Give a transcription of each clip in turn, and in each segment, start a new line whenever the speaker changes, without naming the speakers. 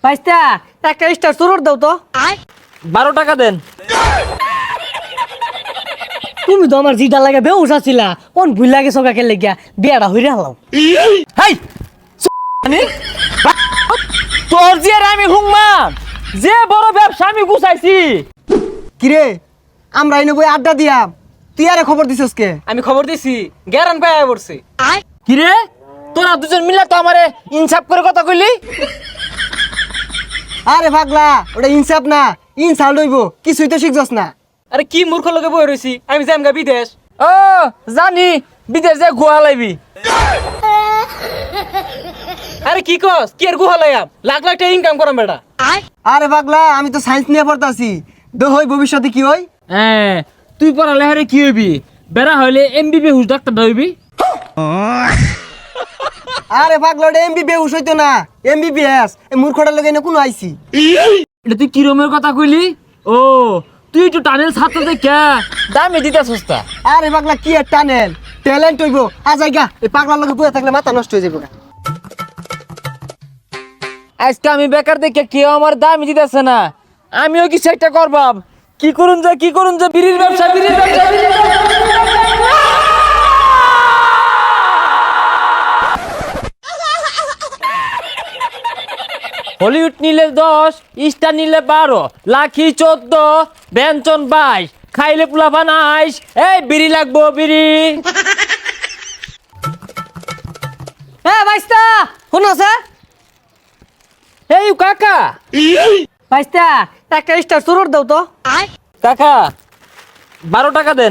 ভাইস্তা একটা স্টার চুরুর দাও তো।
12 টাকা দেন।
তুমি তো আমার জিটা লাগে বেউস আছিলা, কোন ভুল লাগে সকাকে লেগিয়া বিয়াটা হইরে হলাম।
হেই তোর যে আমি হুংমান যে বড় ব্যবসা আমি গুছাইছি।
কিরে আমরা এনে বই আড্ডা দিয়াম, তুই আরে খবর দিছস কে?
আমি খবর দিছি গ্যারান পাই পড়ছি।
কিরে তোরা দুজন মিলে তো আমারে ইনসাফ করে কথা কইলি।
আরে পাগলা, ওটা ইনসাফ না, ইনসাল্ট হইব, কিছুই তো শিখছস না।
আরে কি মূর্খ লোকে বই রইছি, আমি যামগা বিদেশ।
ও জানি বিদেশ যে গুহা লাইবি।
আরে কি কস, কি আর গুহা লাইয়াম, লাখ লাখ টাকা ইনকাম করাম বেটা।
আরে পাগলা, আমি তো সায়েন্স নিয়ে পড়তাছি, হই ভবিষ্যতে কি হই?
হ্যাঁ তুই পড়ালেখারে কি হইবি? বেড়া হইলে এমবিবি হুস ডাক্তার হইবি।
আরে পাগলা, ওটা এমবিবিএস হইতো না, এমবিবিএস। এই মূর্খটার লগে এনে কোনো আইছি।
এটা তুই কিরমের কথা কইলি? ও তুই একটু টানেল ছাত্র দেখে দামে দিতে সস্তা।
আরে পাগলা, কি আর টানেল, ট্যালেন্ট হইব। আজাইগা এই পাগলার লগে বইয়া থাকলে মাথা নষ্ট হয়ে যাবে।
আজকে আমি বেকার দেখে কেউ আমার দামই দিতেছে না, আমিও কিছু একটা করবাম। কি করুন যে বিড়ির ব্যবসা। হলিউড নিলে 10, স্টার নিলে 12, লাখি 14, ব্যঞ্জন 22, খাইলে পোলাপান 22। এই বিড়ি লাগবো বিড়ি।
হ্যাঁ ভাইস্তা শুনছে?
এই কাকা
ভাইস্তা একটা স্টার চুরুর দাও তো।
কাকা 12 টাকা দেন।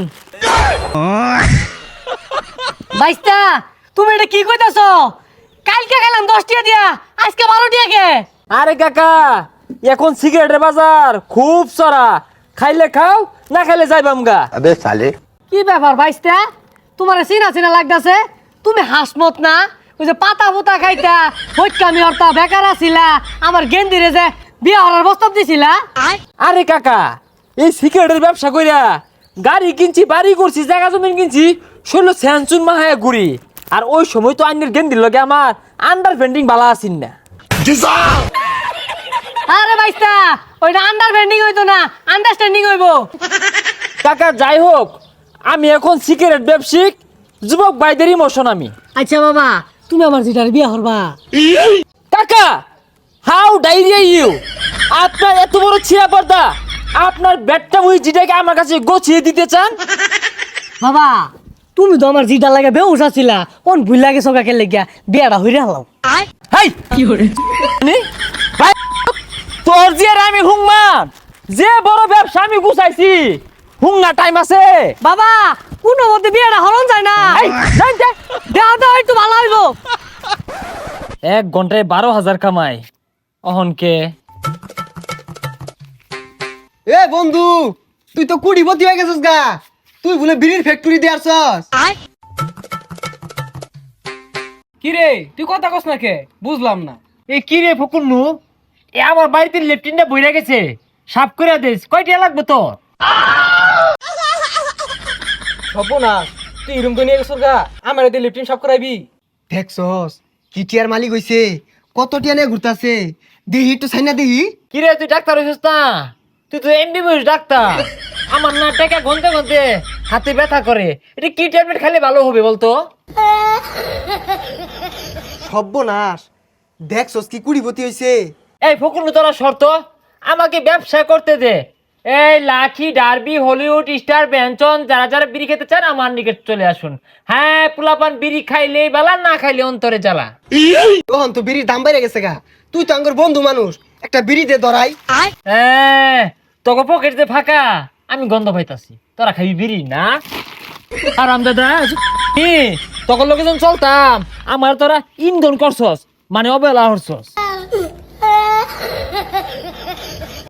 ভাইস্তা তুমি এটা কি কইতাছ? কালকে গেলাম 10 টাকা দিয়া, আজকে 12 টাকা কে?
আরে কাকা এখন সিগারেটের বাজার খুব চড়া, খাইলে খাও না খাইলে যাইবাম গা।
अबे साले
কি ব্যাপার ভাইস্তা, তোমার চিনা চিনা লাগতাছে? তুমি হাসমত না, ওই যে পাতা পুতা খাইতা হইকামি হরতা বেকার আছিলা, আমার গেন্দিরে যে বিয়া হওয়ার প্রস্তাব দিছিলা।
আরে কাকা এই সিগারেটের ব্যবসা কইরা গাড়ি কিনছি, বাড়ি করছি, জায়গা জমি কিনছি, শৈল স্যানচুন মাহায়া ঘুরি। আর ওই সময় তো আইনের গেন্দির লগে আমার আন্ডার পেন্টিং বালা আসিন না।
আরে ভাইস্তা ওইটা আন্ডারস্ট্যান্ডিং হইতো না, আন্ডারস্ট্যান্ডিং হইব।
কাকা যাই হোক, আমি এখন সিগারেট ব্যবসায়িক যুবক ভাইদের ইমোশন আমি।
আচ্ছা বাবা, তুমি আমার যেটার বিয়া হরবা।
কাকা হাউ ডাইরিয়া ইউ, আপনার এত বড় ছিয়া পর্দা, আপনার ব্যাটটা মুই যেটাকে আমার কাছে গোছিয়ে দিতে চান?
বাবা তুমি তো আমার জিটা লাগে বেউস আছিলা, কোন ভুল লাগে সকাকে লেগিয়া বিয়াটা হইরে হলাম।
হাই কি করে ভাই, তোর যে আমি হুংমান যে বড় ব্যবসা আমি গুছাইছি, হুঙ্গা টাইম আছে?
বাবা কোন মধ্যে বিয়াটা হরণ যায় না,
এই, যাই, যাই।
দেওয়া তো একটু ভালো হইব।
1 ঘন্টায় 12,000 কামাই অহনকে।
এ বন্ধু, তুই তো কুড়িপতি হয়ে গেছিস গা, তুই বলে বিড়ির ফ্যাক্টরি দিয়ে আসছস।
কি রে তুই কথা কস না কে, বুঝলাম না।
এ কি রে ফকুন্নু, এ আমার বাড়িতে লেফটিনটা বইরা গেছে, সাফ করে দিস। কয়টা লাগবে তোর?
সব না তুই রুম তো নিয়ে গেছিস গা, আমার এতে লিফটিং সব করাইবি।
দেখছস কি টিয়ার মালিক হইছে, কত টিয়া নিয়ে ঘুরতাছে, দেহি একটু ছাইনা দেহি।
কি রে তুই ডাক্তার হইছিস না? তুই তো এমবিবিএস ডাক্তার। আমার না টাকা গনতে গনতে হাতে ব্যথা করে, এটা কি ট্যাবলেট খেলে ভালো হবে বলতো?
সর্বনাশ, দেখছস কি কুড়িপতি হইছে।
এই ফকুন্নু তোরা শর্ত আমাকে ব্যবসা করতে দে। এই লাখি, ডার্বি, হলিউড, স্টার, ব্যঞ্জন যারা যারা বিড়ি খেতে চান আমার নিকট চলে আসুন। হ্যাঁ পোলাপান বিড়ি খাইলে বালা, না খাইলে অন্তরে জ্বালা।
তখন তো বিড়ির দাম বেড়ে গেছে গা, তুই তো আঙ্গুর বন্ধু মানুষ, একটা বিড়ি দে ধরাই।
হ্যাঁ তোকে পকেট দিয়ে ফাঁকা, আমি গন্ধ পাইতাছি, তোরা খাবি বিড়ি না? আরাম দাদা তখন লোকে যখন চলতাম আমার তোরা ইন্ধন করছস, মানে অবহেলা করছস।